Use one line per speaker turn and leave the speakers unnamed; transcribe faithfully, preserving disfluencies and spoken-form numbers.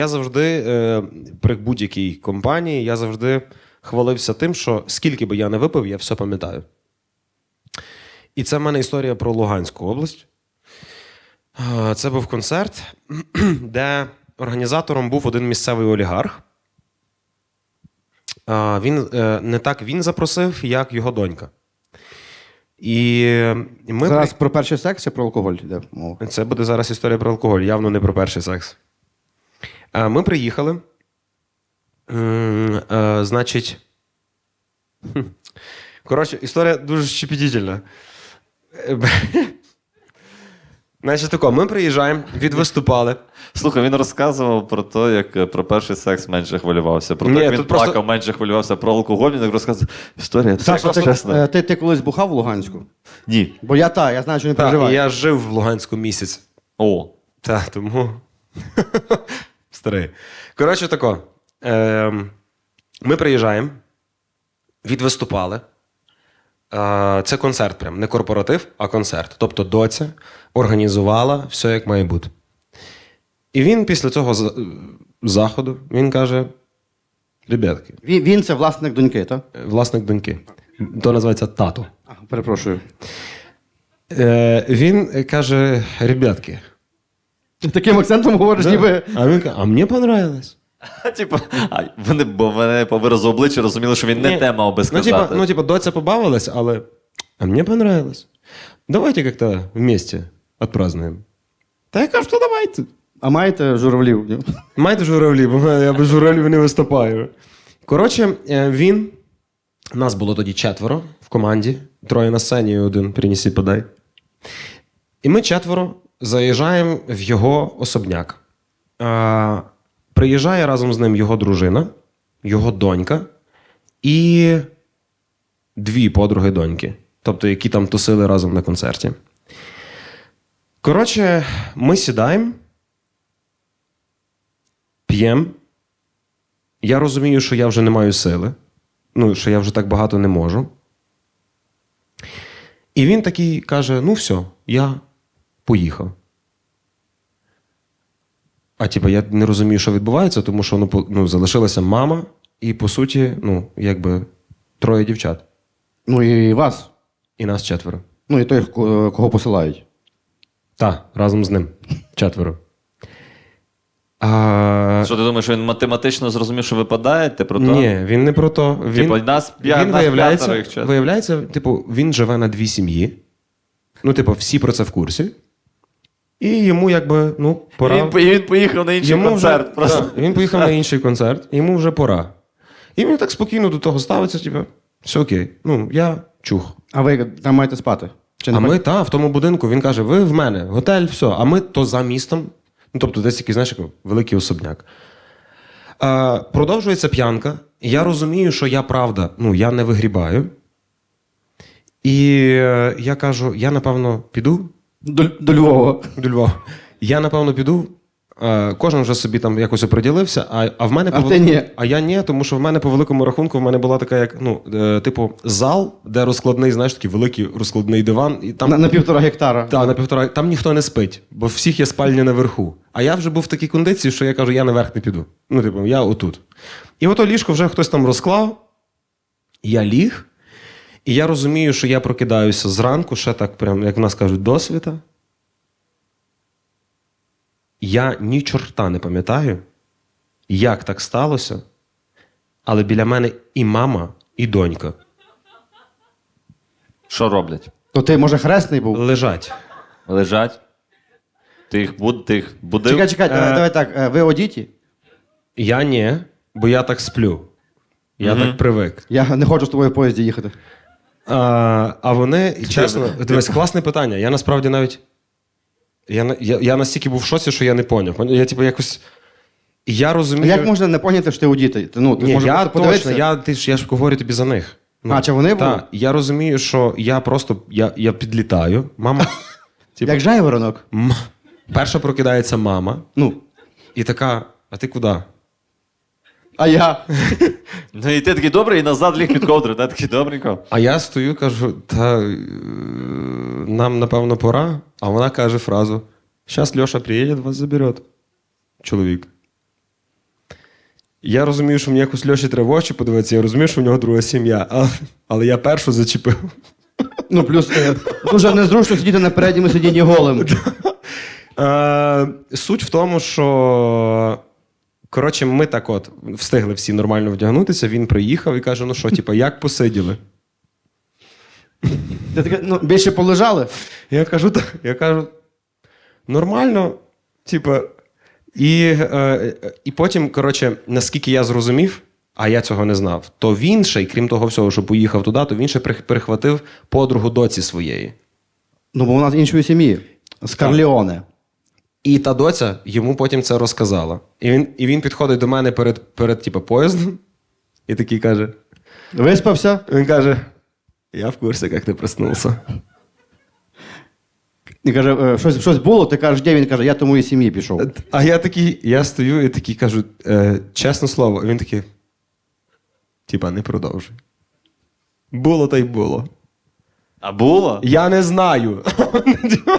Я завжди, е, при будь-якій компанії, я завжди хвалився тим, що скільки би я не випив, я все пам'ятаю. І це в мене історія про Луганську область. Е, Це був концерт, де організатором був один місцевий олігарх. Е, Він, е, не так він запросив, як його донька. І ми
Зараз
при-
про перший секс чи про алкоголь йде мова?
Це буде зараз історія про алкоголь, явно не про перший секс. Е, Ми приїхали. М, е, Значить. хм. Коротше, історія дуже щепетільна. Е, б- Значить, тако, ми приїжджаємо, відвиступали.
Слухай, він розказував про те, як е, про перший секс менше хвилювався. Про те,
Ні,
як він
тут просто-
плакав, менше хвилювався. Про алкоголь він так розказував. Історія, це
Саша,
просто
ти,
чесно.
е, ти, ти колись бухав в Луганську?
Ні.
Бо я та, я знаю, що не
Так, і
переживаю.
я жив в Луганську місяць.
О.
Так, тому. Старий. Коротше, тако. Ем, Ми приїжджаємо, відвиступали. Е, Це концерт, прям не корпоратив, а концерт. Тобто доця організувала все, як має бути. І він після цього за- заходу він каже: ребятки,
Він, він це власник доньки, так?
власник доньки. То називається тато.
А, перепрошую.
Е, Він каже: ребятки.
Ти таким акцентом говориш, ніби.
А він каже: а мені понравилось.
Типу, а, вони, бо вони по виразу обличчя розуміли, що він не
Ні.
те мав би
Ну,
сказати.
типа, ну, типа, доця побавилась, але а мне понравилось. Давайте как-то вместе отпразднуем. Та я кажу, що давайте.
А маєте журавлів? ні?
Маєте журавлі, бо я без журавлів не виступаю. Коротше, е, він. Нас було тоді четверо в команді. Троє на сцені і один принеси, подай. І ми четверо заїжджаємо в його особняк. Е, Приїжджає разом з ним його дружина, його донька і дві подруги доньки. Тобто, які там тусили разом на концерті. Коротше, ми сідаємо, п'ємо. Я розумію, що я вже не маю сили. Ну, що я вже так багато не можу. І він такий каже: ну все, я поїхав. А типу, я не розумію, що відбувається, тому що ну, по- ну, залишилася мама і, по суті, ну, якби троє дівчат.
Ну і вас.
І нас четверо.
Ну і той, ко- кого посилають.
Так, разом з ним. Четверо. А...
Що ти думаєш, що він математично зрозумів, що випадаєте про то?
Ні, він не про то. Він,
Типу, нас п'я-
він
нас
виявляється,
п'ятеро, їх четверо.
виявляється, типу, він живе на дві сім'ї. Ну, типу, всі про це в курсі. І йому, якби, ну, пора.
Він, по- і він поїхав на інший
Йому
концерт.
Вже,
просто.
так, він поїхав на інший концерт, йому вже пора. І він так спокійно до того ставиться, типу, все окей. Ну, я чух.
А ви там маєте спати? Чи не
А ми,
маєте?
та, в тому будинку, він каже: ви в мене, готель, все. А ми то за містом. Ну, тобто, десь якийсь, знаєш, як великий особняк. А, продовжується п'янка. Я розумію, що я правда, ну, я не вигрібаю. І е, я кажу: я, напевно, піду
До, до Львова.
до Львова. Я, напевно, піду. Е, Кожен вже собі там якось оприділився, а, а в мене
А
по
ти ні.
А я ні, тому що в мене по великому рахунку в мене була така, як, ну, е, типу, зал, де розкладний, знаєш, такий великий розкладний диван. І там
На, на півтора гектара.
та, на півтора. Там ніхто не спить, бо всіх є спальня наверху. А я вже був в такій кондиції, що я кажу: я наверх не піду. Ну, типу, я отут. І ото ліжко вже хтось там розклав. Я ліг, і я розумію, що я прокидаюся зранку, ще так, прям, як в нас кажуть, досвіта. Я ні чорта не пам'ятаю, як так сталося, але біля мене і мама, і донька
Що роблять?
То ти, може, хресний був?
лежать.
Лежать? Ти їх, буд, ти їх будив?
Чекай, чекай, давай,
Е.
давай так. е, Ви одіті?
Я ні, бо я так сплю. Я так привик.
Я не хочу з тобою в поїзді їхати.
А, а вони, чесно, дивись, класне питання. Я насправді навіть. Я, на- я, я настільки був в шоці, що я не поняв. Я, типу, якось. Я
А
розумію.
як можна не поняти, що ти одітий? Ти, Ну, ти
Ні,
може
я
просто
точно,
подивитися?
я, ти ж, я ж говорю тобі за них.
А, чи вони були?
Так, я розумію, що я просто я, я підлітаю. Мама. типу,
Як жайворонок.
м- перша прокидається мама,
Ну,
і така: а ти куди?
а я.
Ну і ти такий добрий, і назад ліг під ковдру, та такий добренько.
А я стою, кажу: та е, нам, напевно, пора. А вона каже фразу: щас Льоша приїде, вас заберет. Чоловік. Я розумію, що мені якось Льоші треба в очі подивитися, я розумію, що в нього друга сім'я, але, але я першу зачепив.
Ну, плюс е, дуже незручно сидіти на передньому сидінні голим.
Е, суть в тому, що коротше, ми так от встигли всі нормально вдягнутися, він приїхав і каже: ну що, типа, як посиділи?
Ти таке, ну, більше полежали?
Я кажу, так, я кажу, нормально, типа. І, е, і потім, коротше, наскільки я зрозумів, а я цього не знав, то він ще, й крім того всього, що поїхав туди, то він ще прих- перехватив подругу доці своєї.
Ну, бо вона з іншої сім'ї. З Карліоне.
І та доця йому потім це розказала. І він, і він підходить до мене перед, перед типу, поїздом і такий каже:
Виспався?
він каже, я в курсі, як ти проснувся.
І каже, «Е, щось, щось було, ти кажеш, де він каже, я тому і сім'ї пішов.
А я такий, я стою і такий кажу, е, чесне слово, і він такий, типа, не продовжуй. Було та й було.
А було?
Я не знаю.